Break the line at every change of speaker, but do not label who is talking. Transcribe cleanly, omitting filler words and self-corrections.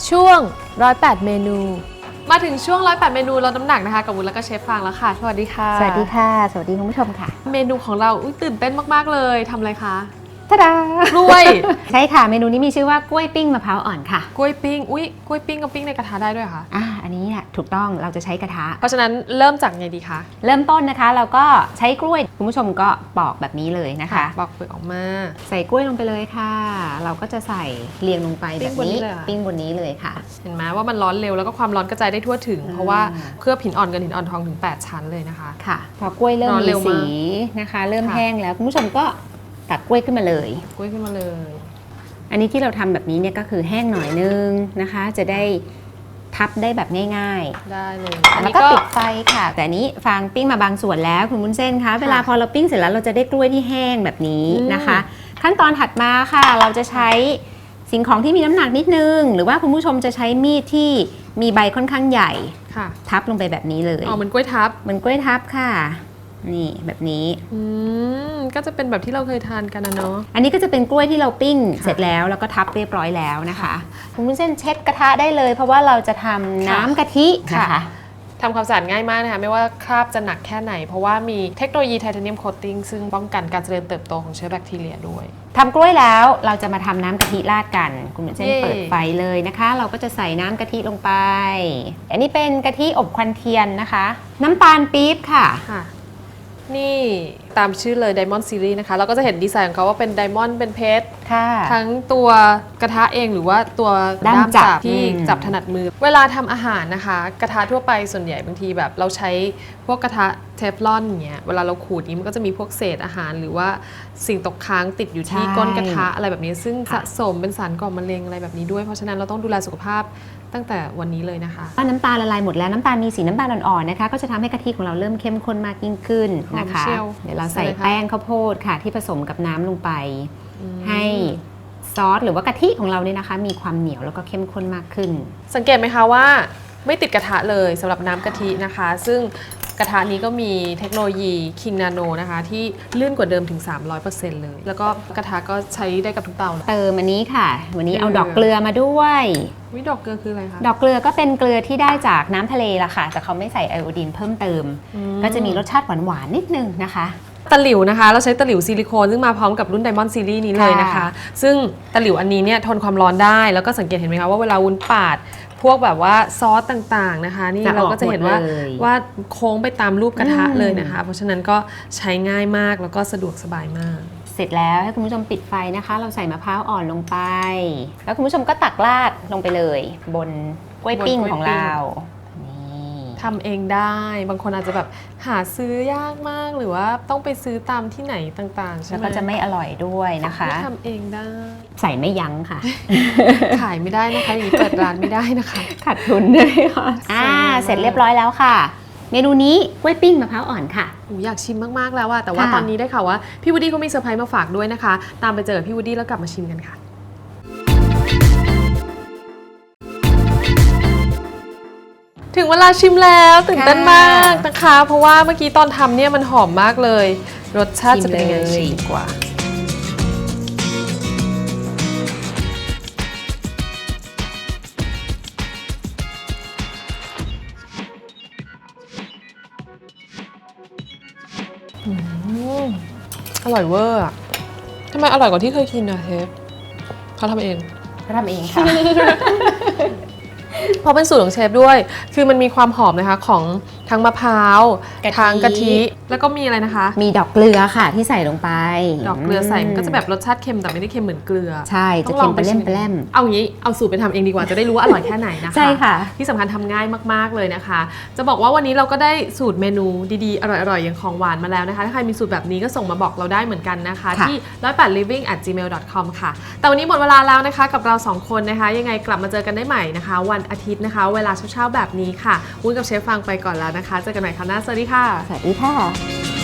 ช่วง108เมนูมาถึงช่วง108เมนูลดน้ำหนักนะคะกับวุ้นแล้วก็เชฟฟางแล้วค่ะสวัสดีค่ะ
สวัสดีค่ะสวัสดีคุณผู้ชมค่ะ
เมนูของเราตื่นเต้นมากๆเลยทำอะไรคะ
ทะดาก
ล้วย
ใช่ค่ะเมนูนี้มีชื่อว่ากล้วยปิ้งมะพร้าวอ่อนค่ะ
กล้วยปิ้งกล้วยปิ้งกับปิ้งในกระทะได้ด้วยค่ะ
อันนี้เนี่ยถูกต้องเราจะใช้กระทะ
เพราะฉะนั้นเริ่มจากไงดีคะ
เริ่มต้นนะคะเราก็ใช้กล้วยคุณผู้ชมก็ปอกแบบนี้เลยนะคะ
ปอกเปลือกออกมา
ใส่กล้วยลงไปเลยค่ะเราก็จะใส่เรียงลงไปแบบนี้ปิ้งบนนี้เลยค่ะ
เห็นไหมว่ามันร้อนเร็วแล้วก็ความร้อนกระจายได้ทั่วถึงเพราะว่าเคลือบหินอ่อนกับหินอ่อนทองถึง8ชั้นเลยนะคะ
ค่ะพอกล้วยเริ่มมีสีนะคะเริ่มแห้งแล้วคุณผู้ชมก็ตักกล้วยขึ้นมาเลยอันนี้ที่เราทำแบบนี้เนี่ยก็คือแห้งหน่อยนึงนะคะจะได้ทับได้แบบง่าย
ๆได้เลย
แล้วก็ปิดไฟค่ะแต่อันนี้ฟางปิ้งมาบางส่วนแล้วคุณวุ้นเส้นคะเวลาพอเราปิ้งเสร็จแล้วเราจะได้กล้วยที่แห้งแบบนี้นะคะขั้นตอนถัดมาค่ะเราจะใช้สิ่งของที่มีน้ำหนักนิดนึงหรือว่าคุณผู้ชมจะใช้มีดที่มีใบค่อนข้างใหญ่ทับลงไปแบบนี้เลย
เหมือนกล้วยทับ
ค่ะนี่แบบนี้
ก็จะเป็นแบบที่เราเคยทานกันนะเนาะ
อันนี้ก็จะเป็นกล้วยที่เราปิ้งเสร็จแล้วก็ทับเรียบร้อยแล้วนะคะคุณวุ้นเส้นเช็ดกระทะได้เลยเพราะว่าเราจะทำน้ำกะทินะคะ
ทำความสะอาดง่ายมากนะคะไม่ว่าคราบจะหนักแค่ไหนเพราะว่ามีเทคโนโลยีไทเทเนียมโคตติ้งซึ่งป้องกันการเจริญเติบโตของเชื้อแบคทีเรียด้วย
ทำกล้วยแล้วเราจะมาทำน้ำกะทิราดกันคุณวุ้นเส้นเปิดไฟเลยนะคะเราก็จะใส่น้ำกะทิลงไปอันนี้เป็นกะทิอบควันเทียนนะคะน้ำตาลปี๊บค่ะ
นี่ตามชื่อเลย Diamond Series นะคะเราก็จะเห็นดีไซน์ของเขาว่าเป็นไดมอนด์เป็นเพชรทั้งตัวกระทะเองหรือว่าตัวด้ามจับที่จับถนัดมือเวลาทำอาหารนะคะกระทะทั่วไปส่วนใหญ่บางทีแบบเราใช้พวกกระทะเทฟลอนอย่างเงี้ยเวลาเราขูดนี้มันก็จะมีพวกเศษอาหารหรือว่าสิ่งตกค้างติดอยู่ที่ก้นกระทะอะไรแบบนี้ซึ่งสะสมเป็นสารก่อมะเร็งอะไรแบบนี้ด้วยเพราะฉะนั้นเราต้องดูแลสุขภาพตั้งแต่วันนี้เลยนะคะ
น้ำตาลละลายหมดแล้วน้ำตาลมีสีน้ำตาลอ่อนๆนะคะก็จะทำให้กะทิของเราเริ่มเข้มข้นมากยิ่งขึ้นนะคะเดี๋ยวเราใส่แป้งข้าวโพดค่ะที่ผสมกับน้ำลงไปให้ซอสหรือว่ากะทิของเราเนี่ยนะคะมีความเหนียวแล้วก็เข้มข้นมากขึ้น
สังเกตไหมคะว่าไม่ติดกระทะเลยสำหรับน้ำกะทินะคะซึ่งกระทะนี้ก็มีเทคโนโลยี King Nano นะคะที่ลื่นกว่าเดิมถึง 300% เลยแล้วก็กระทะก็ใช้ได้กับทุกเตา
เติมอันนี้ค่ะวันนี้เอาดอกเกลือมาด้วย
ดอกเกลือคืออะไรคะ
ดอกเกลือก็เป็นเกลือที่ได้จากน้ำทะเลละค่ะแต่เขาไม่ใส่ไอโอดีนเพิ่มเติมก็จะมีรสชาติหวานๆนิดนึงนะคะ
ตะหลิวนะคะเราใช้ตะหลิวซิลิโคนซึ่งมาพร้อมกับรุ่น Diamond Series นี้เลยนะคะซึ่งตะหลิวอันนี้เนี่ยทนความร้อนได้แล้วก็สังเกตเห็นไหมคะว่าเวลาวุ้นปาดพวกแบบว่าซอสต่างๆนะคะนี่เราก็จะเห็นว่าโค้งไปตามรูปกระทะเลยนะคะเพราะฉะนั้นก็ใช้ง่ายมากแล้วก็สะดวกสบายมาก
เสร็จแล้วให้คุณผู้ชมปิดไฟนะคะเราใส่มะพร้าวอ่อนลงไปแล้วคุณผู้ชมก็ตักราดลงไปเลยบนกล้วยปิ้งของเรา
ทำเองได้บางคนอาจจะแบบหาซื้อยากมากหรือว่าต้องไปซื้อตามที่ไหนต่างๆใช่ไหม
แล้วก็จะไม่อร่อยด้วยนะคะ
ทำเองได้
ใส่ไม่ยั้งค่ะ
ขายไม่ได้นะคะอย่างนี้เปิดร้านไม่ได้นะคะ
ขาดทุนด้วยค่ะเสร็จเรียบร้อยแล้วค่ะเมนูนี้กล้วยปิ้งมะพร้าวอ่อนค่ะ
อยากชิมมากๆแล้วอะแต่ว่าตอนนี้ได้ข่าวว่าพี่วูดดี้เขามีเซอร์ไพรส์มาฝากด้วยนะคะตามไปเจอพี่วูดดี้แล้วกลับมาชิมกันค่ะถึงเวลาชิมแล้วตื่นเต้นมากนะคะเพราะว่าเมื่อกี้ตอนทำเนี่ยมันหอมมากเลยรสชาติจะเป็นยังไงชิมดีกว่าอร่อยเวอร์อะทำไมอร่อยกว่าที่เคยกินอะเชฟเขาทำเอง
ค่ะ
เพราะเป็นสูตรของเชฟด้วยคือมันมีความหอมนะคะของทั้งมะพร้าวทั้งกะทิแล้วก็มีอะไรนะคะ
มีดอกเกลือค่ะที่ใส่ลงไป
ดอกเกลือใส่มันก็จะแบบรสชาติเค็มแต่ไม่ได้เค็มเหมือนเกลือ
ใช่จะเค็มไปเล่ม
เอางี้เอาสูตรไปทำเองดีกว่าจะได้รู้ว่าอร่อยแค่ไหนนะคะ
ใช่ค่ะ
ที่สำคัญทำง่ายมากๆเลยนะคะจะบอกว่าวันนี้เราก็ได้สูตรเมนูดีๆอร่อยๆอย่างของหวานมาแล้วนะคะถ้าใครมีสูตรแบบนี้ก็ส่งมาบอกเราได้เหมือนกันนะคะที่108living@gmail.com ค่ะแต่วันนี้หมดเวลาแล้วนะคะกับเรา2คนนะคะยังไงกลับมาเจอกันได้ใหม่นะคะวันอาทิตย์นะคะเวลาเช้าๆแบบนี้ค่ะวุ้นกับเชฟฟังไปก่อนแล้วนะคะเจอกันใหม่คราวหน้าสวัสดีค่ะ
สวัสดีค่ะ